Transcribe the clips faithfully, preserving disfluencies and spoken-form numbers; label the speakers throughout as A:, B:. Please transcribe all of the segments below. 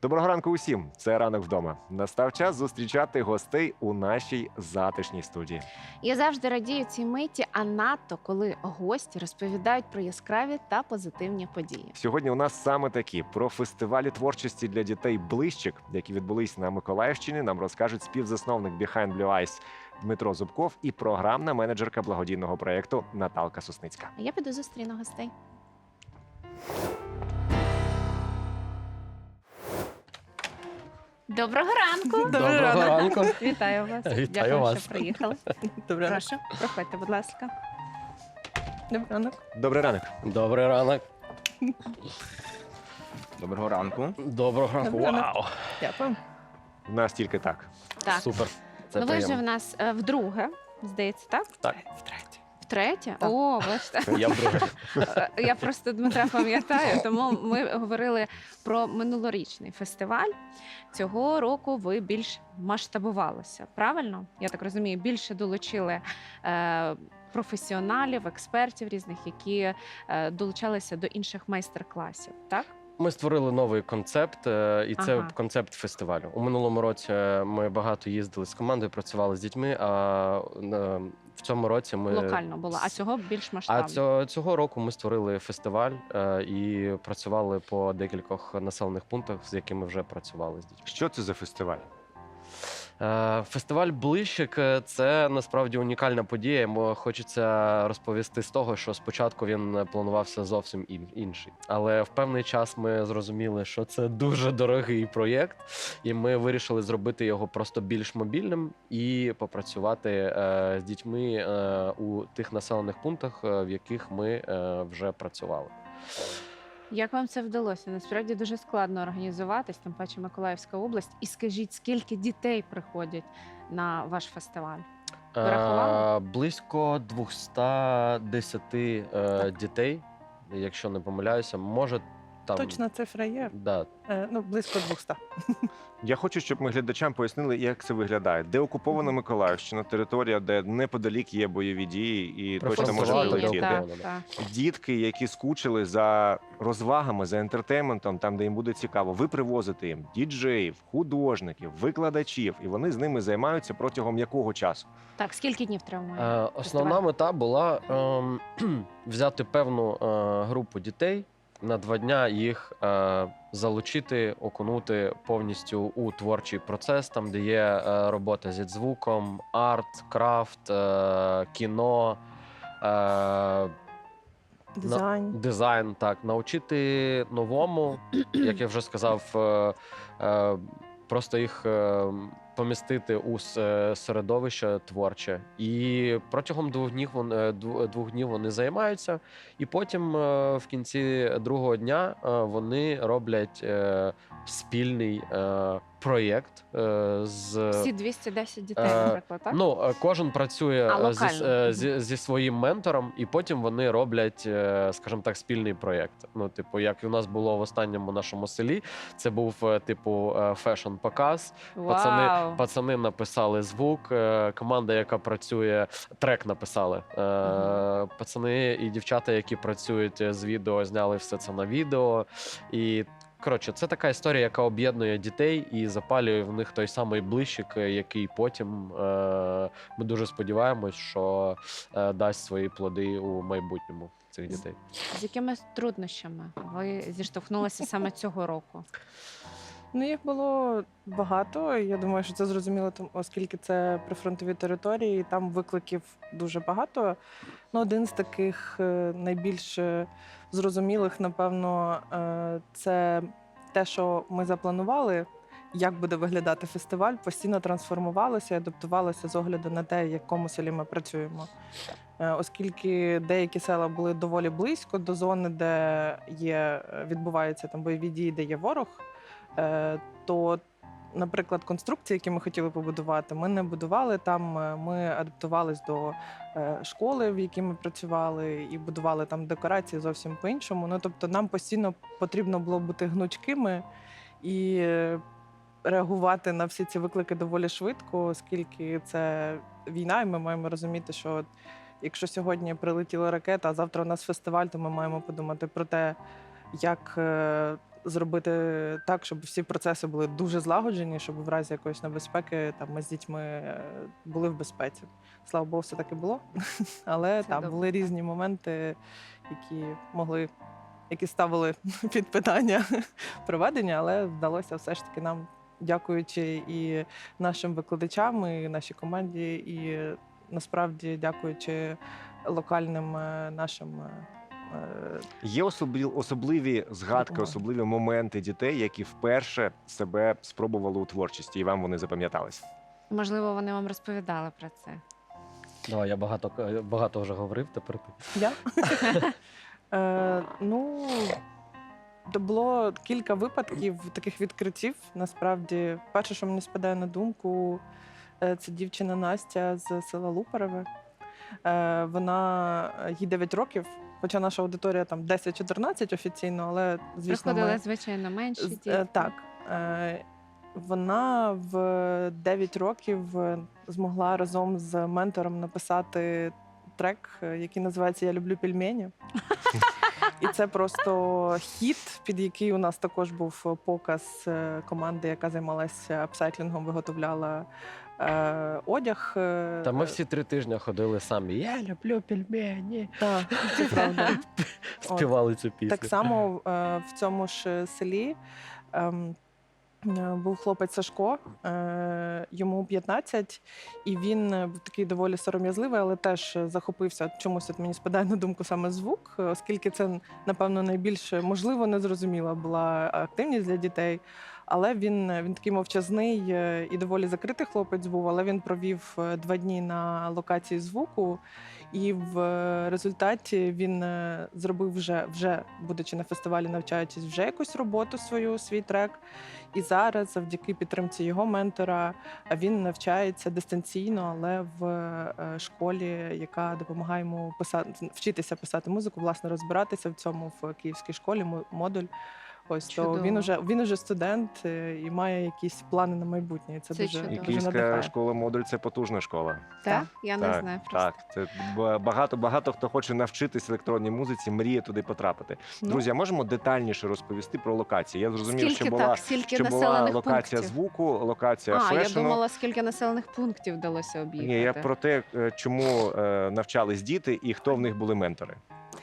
A: Доброго ранку усім! Це «Ранок вдома». Настав час зустрічати гостей у нашій затишній студії.
B: Я завжди радію цій миті, а надто коли гості розповідають про яскраві та позитивні події.
A: Сьогодні у нас саме такі про фестивалі творчості для дітей «Блищик», які відбулись на Миколаївщині, нам розкажуть співзасновник Behind Blue Eyes Дмитро Зубков і програмна менеджерка благодійного проєкту Наталка Сосницька.
B: А я піду зустріну гостей. Доброго ранку!
C: Доброго ранку.
B: Вітаю вас.
C: Вітаю
B: Дякую,
C: вас.
B: що приїхали.
C: Добрий ранок.
B: Прошу, проходьте, будь ласка.
C: Добрий ранок.
A: Добрий ранок.
C: Добрий ранок.
D: Доброго ранку.
C: Доброго ранку.
B: Добрий ранок.
C: Вау.
B: Дякую.
A: У нас тільки так.
B: Так,
C: Супер. Це
B: ну ви вже в
C: приємно.
B: нас е, вдруге, здається, так?
C: Так.
D: Втретє.
B: Втретє?
C: Так.
B: О, бачите.
C: Я вдруге.
B: Е, Я просто Дмитра пам'ятаю, тому ми говорили про минулорічний фестиваль. Цього року ви більш масштабувалися, правильно? Я так розумію, більше долучили е, професіоналів, експертів різних, які е, долучалися до інших майстер-класів, так?
C: Ми створили новий концепт, е, і це
B: Ага.
C: концепт фестивалю. У минулому році ми багато їздили з командою, працювали з дітьми, а е, в цьому році ми...
B: Локально було, а цього більш
C: А
B: масштабно.
C: цього, цього року ми створили фестиваль е, і працювали по декількох населених пунктах, з якими вже працювали з дітьми.
A: Що це за фестиваль?
C: Е, Фестиваль «Блищик» – це насправді унікальна подія. Бо хочеться розповісти з того, що спочатку він планувався зовсім ін- інший. Але в певний час ми зрозуміли, що це дуже дорогий проєкт, і ми вирішили зробити його просто більш мобільним і попрацювати е, з дітьми е, у тих населених пунктах, е, в яких ми е, вже працювали.
B: Як вам це вдалося? Насправді дуже складно організуватись, тим паче Миколаївська область. І скажіть, скільки дітей приходять на ваш фестиваль? Ви рахували?
C: Е, Близько двісті десять е, дітей, якщо не помиляюся, може там...
E: Точна цифра є.
C: Да.
E: Е, Ну, близько двохсот.
A: Я хочу, щоб ми глядачам пояснили, як це виглядає. Де окупована Миколаївщина, територія, де неподалік є бойові дії і точно можна
C: Прифронтова
A: прилетіти.
C: територія.
B: так, так.
A: Дітки, які скучили за розвагами, за ентертейментом, там, де їм буде цікаво, ви привозите їм діджеїв, художників, викладачів, і вони з ними займаються протягом якого часу?
B: Так, скільки днів триває?
C: Е, Основна мета була ем, взяти певну е, групу дітей, на два дня їх е, залучити, окунути повністю у творчий процес, там, де є е, робота зі звуком, арт, крафт, е, кіно, е,
E: Дизайн.
C: дизайн, так, навчити новому, як я вже сказав, е, е, просто їх е, помістити у с- середовище творче. І протягом двох днів вони, е, дв- двох днів вони займаються, і потім е, в кінці другого дня е, вони роблять е, спільний е, проєкт е, з
B: Всі двісті десять дітей,
C: Е,
B: наприклад, так?
C: Ну, е, кожен працює
B: А,
C: е, зі, с-
B: локально.
C: е, зі, зі своїм ментором, і потім вони роблять, е, скажімо так, спільний проєкт. Ну, типу, як і у нас було в останньому нашому селі, це був е, типу фешн-показ. Пацани,
B: Вау!
C: пацани написали звук, е, команда, яка працює, трек написали. Е,
B: Мгм.
C: Пацани і дівчата, які працюють з відео, зняли все це на відео. І коротше, це така історія, яка об'єднує дітей і запалює в них той самий блищик, який потім е, ми дуже сподіваємось, що е, дасть свої плоди у майбутньому цих дітей.
B: З якими труднощами ви зіштовхнулися саме цього року?
E: Ну, їх було багато. і Я думаю, що це зрозуміло, тому- оскільки це прифронтові території, і там викликів дуже багато. Ну, один з таких е, найбільш е, зрозумілих, напевно, е, це те, що ми запланували, як буде виглядати фестиваль, постійно трансформувалося і адаптувалося з огляду на те, в якому селі ми працюємо. Е, Оскільки деякі села були доволі близько до зони, де є, е, відбуваються там бойові дії, де є ворог, е, то, наприклад, конструкції, які ми хотіли побудувати, ми не будували там. е, Ми адаптувались до е, школи, в якій ми працювали, і будували там декорації зовсім по-іншому. Ну, тобто, нам постійно потрібно було бути гнучкими і е, реагувати на всі ці виклики доволі швидко, оскільки це війна, і ми маємо розуміти, що от якщо сьогодні прилетіла ракета, а завтра у нас фестиваль, то ми маємо подумати про те, як е, зробити так, щоб всі процеси були дуже злагоджені, щоб в разі якоїсь небезпеки там ми з дітьми е, були в безпеці. Слава Богу, все таки було. Але
B: Це
E: там
B: добре,
E: були
B: так.
E: різні моменти, які могли, які ставили під питання проведення, але вдалося все ж таки нам, дякуючи і нашим викладачам, і нашій команді, і насправді дякуючи локальним е, нашим. е, е,
A: Є особлі, особливі згадки,
E: Допомоги.
A: особливі моменти дітей, які вперше себе спробували у творчості, і вам вони запам'ятались.
B: Можливо, вони вам розповідали про це.
C: Давай, я багато, багато вже говорив, тепер ти.
E: Я? Е, ну, то було кілька випадків таких відкриттів. Насправді, перше, що мені спадає на думку, е, це дівчина Настя з села Лупереве. Е, Вона е, їй дев'ять років, хоча наша аудиторія там десять-чотирнадцять офіційно, але звісно,
B: Приходили,
E: ми...
B: звичайно, менші
E: З-
B: діти.
E: е, Так. Е, Вона в дев'ять років е, змогла разом з ментором написати трек, е, який називається Я люблю пельмені. І це просто хіт, під який у нас також був показ е, команди, яка займалася апсайклінгом, виготовляла е, одяг. е,
C: Та ми всі три тижні ходили самі. Я люблю пельмені.
E: Так, це правда.
C: Співали цю пісню.
E: Так само е, в цьому ж селі ем, е, був хлопець Сашко, е, йому п'ятнадцять, і він е, був такий доволі сором'язливий, але теж захопився чомусь, от мені спадає на думку саме звук, е, оскільки це, напевно, найбільш можливо незрозуміла була активність для дітей. Але він, він такий мовчазний е, і доволі закритий хлопець був, але він провів е, два дні на локації звуку. І в е, результаті він е, зробив вже, вже, будучи на фестивалі, навчаючись, вже якусь роботу свою, свій трек. І зараз, завдяки підтримці його ментора, він навчається дистанційно, але в е, школі, яка допомагає йому писати, вчитися писати музику, власне, розбиратися в цьому в київській школі, мо- модуль. Ось то
B: Чудово.
E: він уже він уже студент е, і має якісь плани на майбутнє. І це,
B: Це
E: дуже,
B: чудово.
A: І
E: дуже
A: Київська
E: надихає.
A: школа модуль це потужна школа.
B: Так? Я не
A: так,
B: знаю просто.
A: так. Це б- багато багато хто хоче навчитись електронній музиці, мріє туди потрапити.
E: Ну,
A: Друзі, а можемо детальніше розповісти про локації? Я зрозумів,
B: Скільки
A: що була
B: так, скільки
A: що була
B: населених
A: локація
B: пунктів?
A: звуку, локація
B: А, я
A: фешену.
B: думала, скільки населених пунктів вдалося об'їхати.
A: Ні, я про те, е, чому е, навчались діти і хто в них були ментори.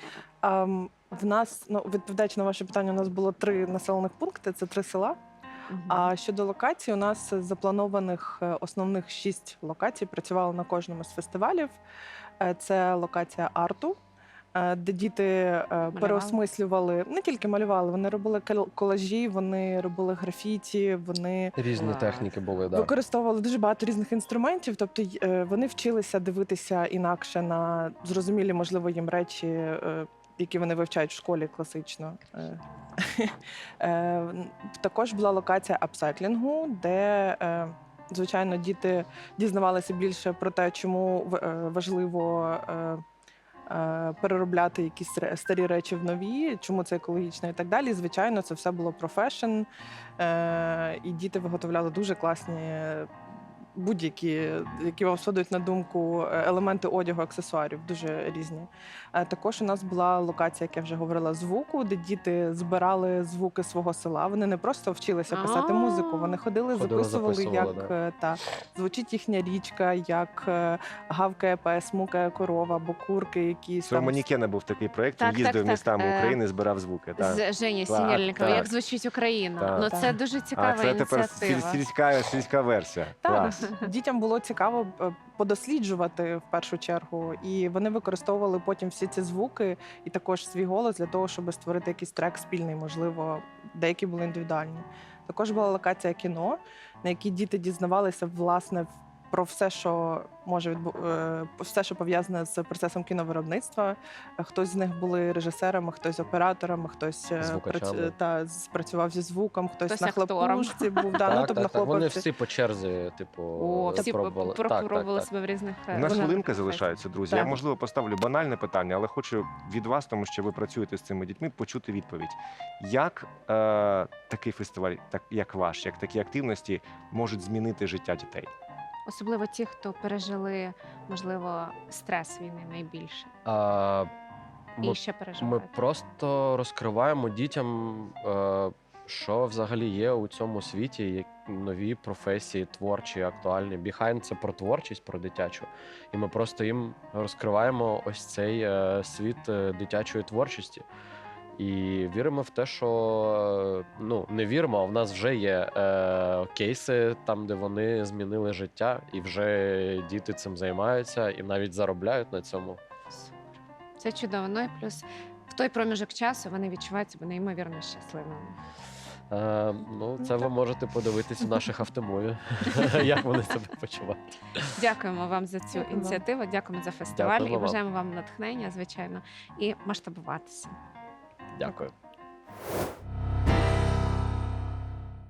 E: А, м, в нас, ну, відповідаючи на ваше питання, у нас було три населених пункти, це три села.
B: Мгм.
E: А щодо локацій, у нас з запланованих е, основних шість локацій працювали на кожному з фестивалів. Е, Це локація арту, е, де діти е, переосмислювали, не тільки малювали, вони робили кол- колажі, вони робили графіті, вони
C: Різні
B: Клас.
C: техніки були, да.
E: використовували дуже багато різних інструментів. Тобто й- е, вони вчилися дивитися інакше на зрозумілі, можливо, їм речі, е, які вони вивчають в школі класично. Е, е, н- Також була локація апсайклінгу, де, е, звичайно, діти дізнавалися більше про те, чому в- е, важливо. е, е, Переробляти якісь ре- старі речі в нові, чому це екологічно і так далі. Звичайно, це все було про фешн, е, і діти виготовляли дуже класні будь-які, які вам спадають на думку, е, елементи одягу, аксесуарів, дуже різні. Е, Також у нас була локація, як я вже говорила, звуку, де діти збирали звуки свого села. Вони не просто вчилися писати
B: А.
E: музику, вони ходили,
C: Ходили,
E: записували,
C: записували,
E: як
C: да.
E: е, та звучить їхня річка, як е, гавкає пес, мукає корова, або курки якісь
A: Це у
E: там.
A: Манікена був такий проєкт,
B: Так,
A: він їздив
B: так, так.
A: містами
B: Е,
A: України, збирав звуки. Так.
B: З Жені
A: Так,
B: Сінельникова,
A: так.
B: як звучить Україна.
A: Так.
B: Ну
E: Так.
B: це дуже
A: А
B: цікава
A: це тепер
B: ініціатива.
A: сіль- сільська, сільська версія.
E: Так,
A: Клас.
E: дітям було цікаво е, подосліджувати в першу чергу, і вони використовували потім всі ці звуки і також свій голос для того, щоб створити якийсь трек спільний, можливо, деякі були індивідуальні. Також була локація кіно, на якій діти дізнавалися власне про все, що може відбу... е, все, що пов'язане з процесом кіновиробництва. Е, Хтось з них були режисерами, хтось операторами, хтось е,
C: Звукачами.
E: прац- та спрацював зі звуком, хтось,
B: Хтось
E: на
B: актором.
E: хлопушці був. Да, ну,
C: Так,
E: тобто на
C: так, так. Вони
E: хлопавці.
C: всі по черзі, типу,
B: О, всі
C: пробували. Так, так,
B: пробували
C: так.
B: себе в різних
A: У
B: е,
A: нас
B: жанрах
A: хвилинка
B: професій.
A: залишається, друзі.
E: Так.
A: Я, можливо, поставлю банальне питання, але хочу від вас, тому що ви працюєте з цими дітьми, почути відповідь. Як е, такий фестиваль, так як ваш, як такі активності можуть змінити життя дітей?
B: Особливо ті, хто пережили, можливо, стрес війни найбільше.
C: А,
B: І
C: ми,
B: ще
C: ми
B: переживають.
C: просто розкриваємо дітям е, що взагалі є у цьому світі, як нові професії, творчі, актуальні. Behind – це про творчість, про дитячу. І ми просто їм розкриваємо ось цей е, світ е, дитячої творчості. І віримо в те, що е, ну не віримо, а в нас вже є е, кейси там, де вони змінили життя, і вже діти цим займаються і навіть заробляють на цьому.
B: Супер. Це чудово. Ну і плюс в той проміжок часу вони відчувають себе неймовірно щасливими.
C: Е, ну, це
E: Ну,
C: ви
E: так.
C: можете подивитись у наших автомові, як вони себе почувають.
B: Дякуємо вам за цю
E: Дякую вам.
B: ініціативу, дякуємо за фестиваль
C: Дякуємо
B: і
C: вам.
B: бажаємо вам натхнення, звичайно, і масштабуватися.
C: Дякую.